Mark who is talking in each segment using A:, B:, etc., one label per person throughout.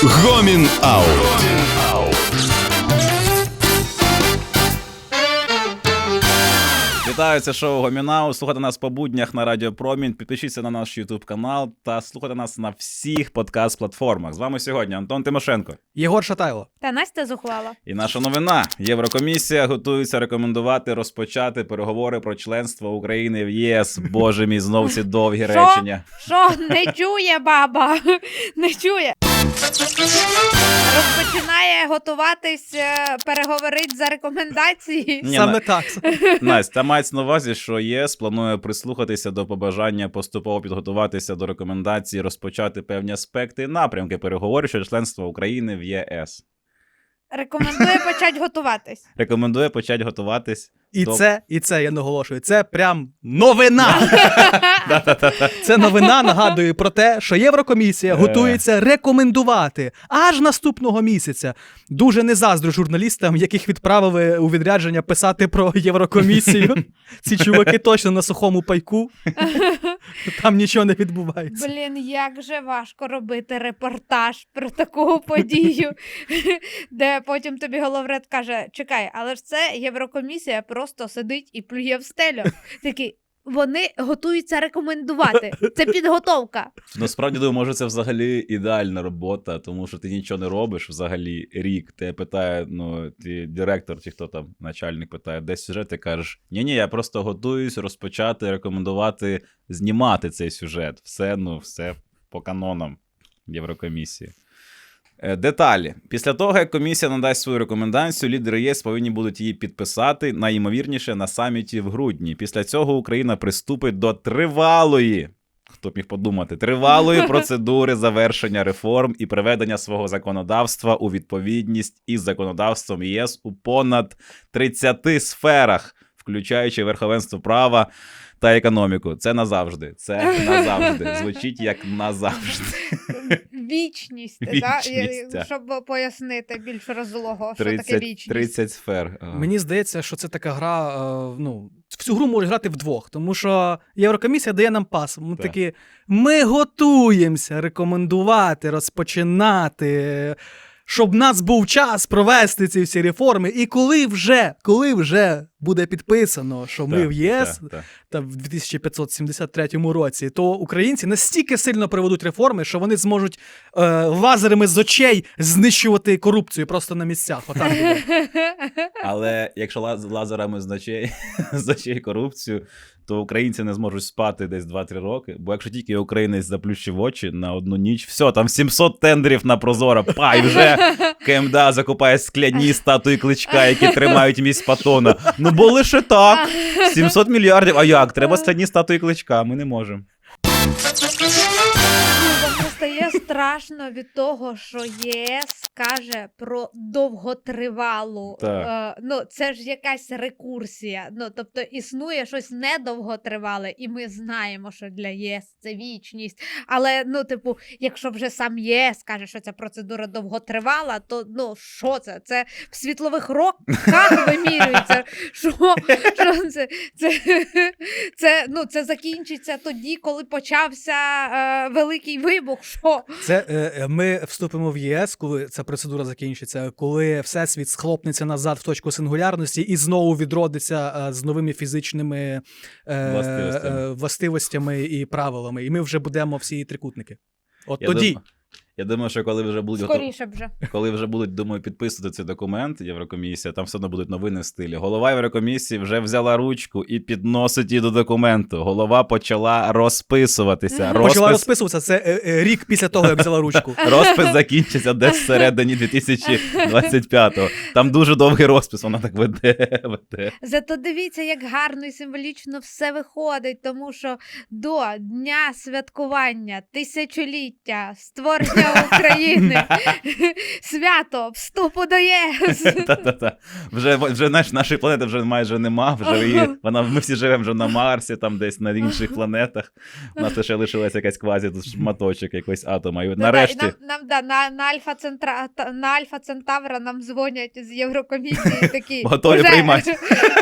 A: Гомін Аут.
B: Вітаю, це шоу Гомін Аут. Слухайте нас по буднях на Радіо Промінь. Підпишіться на наш YouTube канал та слухайте нас на всіх подкаст-платформах. З вами сьогодні Антон Тимошенко.
C: Єгор Шатайло.
D: Та Настя Зухвала.
B: І наша новина. Єврокомісія готується розпочати переговори про членство України в ЄС. Боже мій, знов ці довгі речення.
D: Що? Не чує баба? Не чує. Розпочинає готуватись, переговорить за рекомендації.
C: Саме так.
B: Настя, мається на увазі, що ЄС планує прислухатися до побажання поступово підготуватися до рекомендацій, розпочати певні аспекти і напрямки переговорів щодо членства України в ЄС.
D: Рекомендує почати готуватись.
B: Рекомендує почати готуватись.
C: І це, я наголошую, це прям новина! Це новина нагадує про те, що Єврокомісія готується рекомендувати аж наступного місяця. Дуже не заздрю журналістам, яких відправили у відрядження писати про Єврокомісію. Ці чуваки точно на сухому пайку. Там нічого не відбувається.
D: Блін, як же важко робити репортаж про таку подію, де потім тобі головред каже, чекай, але ж це Єврокомісія просто сидить і плює в стелю. Такий, вони готуються рекомендувати. Це підготовка.
B: Насправді, думаю, може це взагалі ідеальна робота, тому що ти нічого не робиш взагалі рік. Тебе питає, ти директор, чи хто там, начальник питає, де сюжет, ти кажеш, ні, я просто готуюсь розпочати, рекомендувати, знімати цей сюжет. Все по канонам Єврокомісії. Деталі. Після того, як комісія надасть свою рекомендацію, лідери ЄС повинні будуть її підписати, найімовірніше, на саміті в грудні. Після цього Україна приступить до тривалої, хто б міг подумати, тривалої процедури завершення реформ і приведення свого законодавства у відповідність із законодавством ЄС у понад 30 сферах, включаючи верховенство права та економіку. Це назавжди. Звучить як назавжди.
D: Вічність. Да? Щоб пояснити більш розлого, що таке вічність.
B: 30 сфер.
C: Мені здається, що це така гра, в цю гру можуть грати вдвох, тому що Єврокомісія дає нам пас. Ми такі, ми готуємося рекомендувати, розпочинати, щоб в нас був час провести ці всі реформи. І коли вже буде підписано, що ми в ЄС та в 2573 році, то українці настільки сильно проведуть реформи, що вони зможуть лазерами з очей знищувати корупцію просто на місцях. Отак буде.
B: Але якщо лазерами з очей корупцію, то українці не зможуть спати десь 2-3 роки, бо якщо тільки українець заплющив очі на одну ніч, все, там 700 тендерів на Прозоро, і вже КМДА закупає скляні статуї Кличка, які тримають місць Патона. Бо лише так, 700 мільярдів, а як? Треба скляні статуї Кличка, ми не можемо.
D: Стає страшно від того, що ЄС каже про довготривалу. Це ж якась рекурсія. Тобто існує щось недовготривале, і ми знаємо, що для єС це вічність. Але, якщо вже сам ЄС каже, що ця процедура довготривала, то, що це? Це в світлових роках вимірюється. Що це? Це закінчиться тоді, коли почався Великий вибух. Що?
C: Це ми вступимо в ЄС, коли ця процедура закінчиться, коли Всесвіт схлопнеться назад в точку сингулярності і знову відродиться з новими фізичними властивостями і правилами. І ми вже будемо всі трикутники.
B: Я думаю, що коли вже будуть
D: скоріше вже.
B: Коли вже будуть, думаю, підписувати цей документ Єврокомісія, там все одно будуть новини в стилі. Голова Єврокомісії вже взяла ручку і підносить її до документу. Голова почала розписуватися.
C: Почала розписуватися, це рік після того, як взяла ручку.
B: Розпис закінчиться десь всередині 2025-го. Там дуже довгий розпис, вона так веде.
D: Зато дивіться, як гарно і символічно все виходить, тому що до дня святкування тисячоліття створення України, свято вступу до ЄС.
B: Вже нашої планети вже майже нема, ми всі живемо вже на Марсі, там десь на інших планетах. У нас ще лишилася якась квазі, тут шматочок якогось атома. І нарешті...
D: На Альфа Центавра нам дзвонять з Єврокомісії такі.
B: Готові приймати.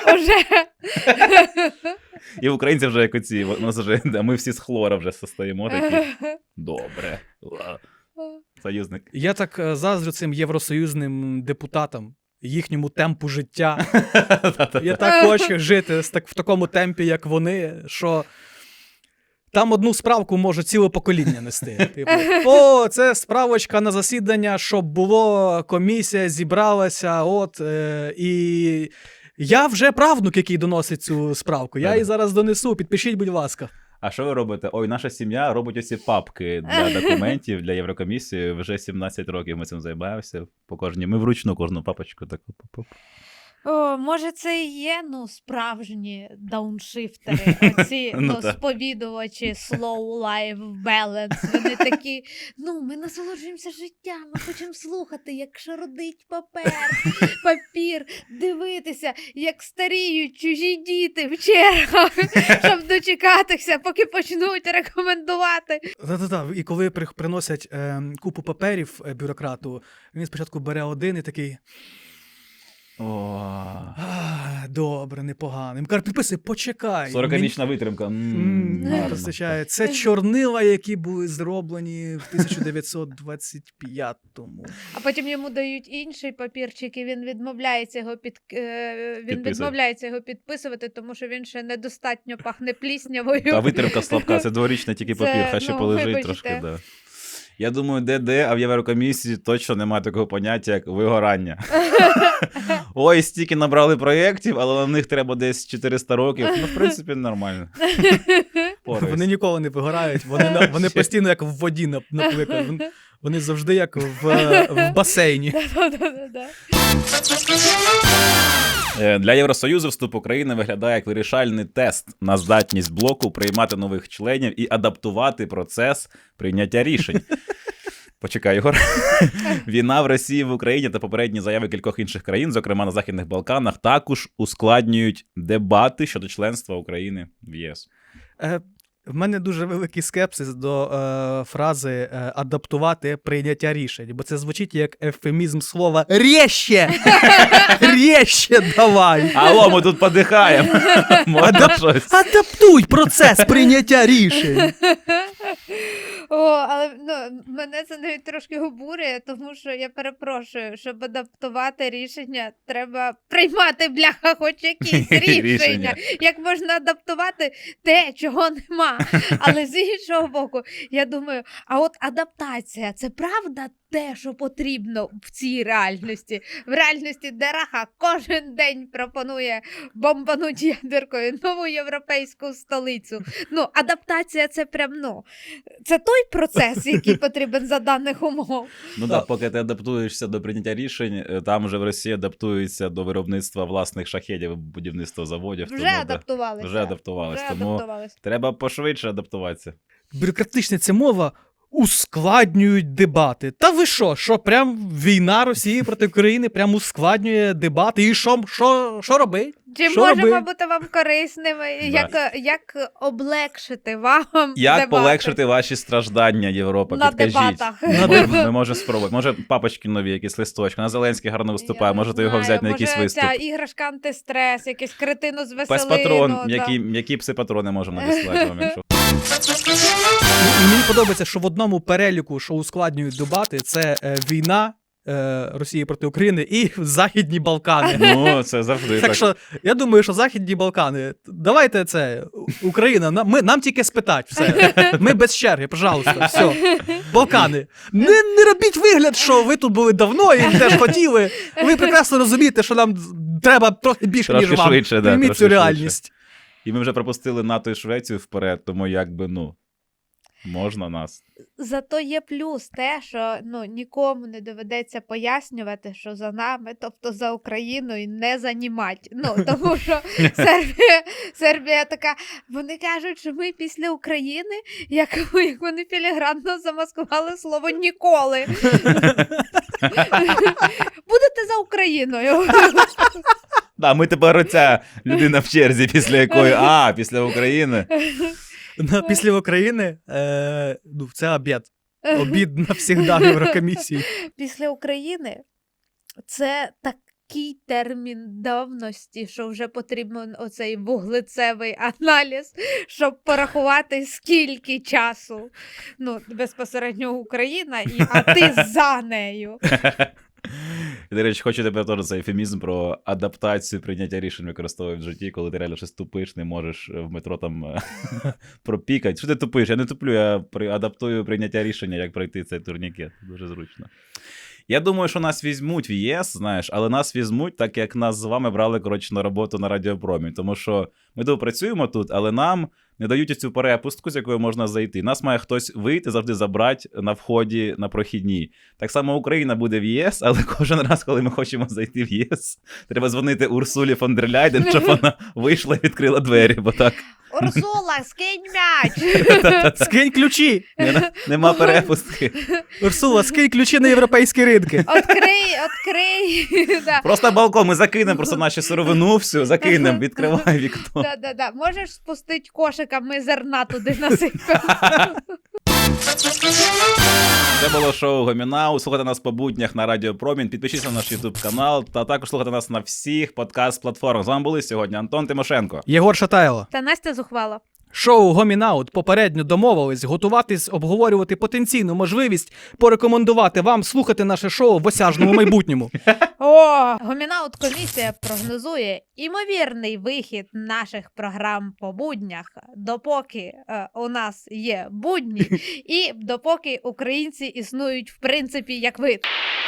D: І
B: українці вже як оці, ми всі з хлора вже состоїмо такі. Добре. союзник.
C: Я так заздрю цим євросоюзним депутатам, їхньому темпу життя. Я так хочу жити в такому темпі, як вони, що там одну справку може ціле покоління нести. Типу, о, це справочка на засідання, щоб було, комісія зібралася, і я вже правнук, який доносить цю справку. Я її зараз донесу, підпишіть, будь ласка.
B: А що ви робите? Ой, наша сім'я робить оці папки для документів, для Єврокомісії. Вже 17 років ми цим займаємося. Ми вручну кожну папочку таку.
D: О, може, це і є, справжні дауншифтери, оці, сповідувачі slow life balance. Вони такі, ми насолоджуємося життям, ми хочемо слухати, як шародить папір, дивитися, як старіють чужі діти в чергах, щоб дочекатися, поки почнуть рекомендувати.
C: І коли приносять купу паперів бюрократу, він спочатку бере один і такий... Добре, непогано. Він каже, підписуй, почекай.
B: 40-річна витримка.
C: Вистачає. Це чорнила, які були зроблені в 1925-му.
D: А потім йому дають інший папірчик, і він відмовляється його підписувати, тому що він ще недостатньо пахне пліснявою.
B: Та витримка слабка, це дворічний тільки папір, хай ще полежить трошки. Да. Я думаю, де, а в Єврокомісії точно немає такого поняття, як вигорання. Ой, стільки набрали проєктів, але на них треба десь 400 років. В принципі, нормально.
C: Вони ніколи не вигорають, вони постійно як в воді наприклад. Вони завжди як в басейні.
B: Для Євросоюзу вступ України виглядає як вирішальний тест на здатність блоку приймати нових членів і адаптувати процес прийняття рішень. Почекай, Ігор. Війна в Росії, в Україні та попередні заяви кількох інших країн, зокрема на Західних Балканах, також ускладнюють дебати щодо членства України в ЄС.
C: В мене дуже великий скепсис до фрази «адаптувати прийняття рішень», бо це звучить як ефемізм слова «рєще». «Рєще давай».
B: Алло, ми тут подихаємо.
C: Адаптуй процес прийняття рішень.
D: Але мене це навіть трошки обурює, тому що я перепрошую, щоб адаптувати рішення, треба приймати, бляха, хоч якісь рішення. Як можна адаптувати те, чого нема? Але з іншого боку, я думаю, а от адаптація – це правда те, що потрібно в цій реальності? В реальності Дераха кожен день пропонує бомбануть ядеркою нову європейську столицю. Адаптація – це прям, це той процес, який потрібен за даних умов.
B: Поки ти адаптуєшся до прийняття рішень, там вже в Росії адаптуються до виробництва власних шахедів, будівництва заводів.
D: Вже адаптувалися.
B: Тому треба пошвидше адаптуватися.
C: Бюрократична ця мова ускладнюють дебати. Та ви що прям війна Росії проти України прям ускладнює дебати? І що робить?
D: Чи можемо бути вам корисними? Як облегшити вам
B: Як
D: дебати?
B: полегшити ваші страждання, Європа?
D: На
B: підкажіть.
D: дебатах.
B: Ми можемо спробувати. Може, папочки нові, якісь листочки. На Зеленський гарно виступає, можете його взяти на якийсь виступ.
D: Може, ця іграшка антистрес, якийсь кретину з веселину.
B: Пес-патрон. Які пси-патрони можемо надіслати вам, якщо...
C: І мені подобається, що в одному переліку, що ускладнюють дебати, це війна Росії проти України і Західні Балкани.
B: Це завжди так.
C: Так що, я думаю, що Західні Балкани, давайте це, Україна, нам тільки спитать все. Ми без черги, пожалуйста, все. Балкани. Не робіть вигляд, що ви тут були давно і теж хотіли. Ви прекрасно розумієте, що нам треба трохи більше, ніж вам.
B: Швидше,
C: прийміть цю реальність.
B: І ми вже пропустили НАТО і Швецію вперед, тому можна нас.
D: Зато є плюс те, що нікому не доведеться пояснювати, що за нами, тобто за Україною, не занімать. Тому що Сербія така, вони кажуть, що ми після України, як вони філігранно замаскували слово «ніколи». Будете за Україною.
B: Ми тепер оця людина в черзі, після якої, після України.
C: Після України це обід. Обід навсігда в Єврокомісії.
D: Після України це такий термін давності, що вже потрібен оцей вуглецевий аналіз, щоб порахувати, скільки часу. Ну, безпосередньо Україна, а ти за нею.
B: До речі, хочу тебе теж цей ефемізм про адаптацію прийняття рішень використовувати в житті, коли ти реально щось тупиш, не можеш в метро там пропікати. Що ти тупиш? Я не туплю, я адаптую прийняття рішення, як пройти цей турнікет. Дуже зручно. Я думаю, що нас візьмуть в ЄС, знаєш, але нас візьмуть так, як нас з вами брали, коротше, на роботу на Радіопромі. Тому що ми тут працюємо тут, але нам не дають цю перепустку, з якою можна зайти. Нас має хтось вийти, завжди забрати на вході, на прохідній. Так само Україна буде в ЄС, але кожен раз, коли ми хочемо зайти в ЄС, треба дзвонити Урсулі фон дер Ляйден, щоб вона вийшла і відкрила двері, бо так...
D: Урсула, скинь м'яч!
C: Скинь ключі!
B: Нема перепустки.
C: Урсула, скинь ключі на європейські ринки.
D: Открий. Да.
B: Просто балкон, ми закинемо просто наші сировину, все, закинемо, відкривай вікно.
D: Да. Можеш спустити кошика, ми зерна туди насипемо.
B: Це було шоу Гомінау. Слухайте нас по буднях на Радіо Промінь. Підпишіться на наш YouTube канал та також слухайте нас на всіх подкаст-платформах. З вами були сьогодні Антон Тимошенко.
C: Єгор Шатайло.
D: Та Настя Зухвала.
C: Шоу Гомінаут попередньо домовились готуватись, обговорювати потенційну можливість порекомендувати вам слухати наше шоу в осяжному майбутньому.
D: Гомінаут комісія прогнозує імовірний вихід наших програм по буднях, допоки у нас є будні і допоки українці існують в принципі як вид.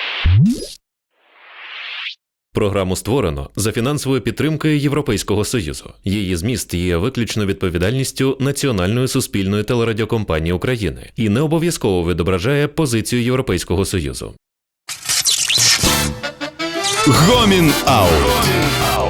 E: Програму створено за фінансовою підтримкою Європейського Союзу. Її зміст є виключно відповідальністю Національної суспільної телерадіокомпанії України і не обов'язково відображає позицію Європейського Союзу.
A: Гомін Аут.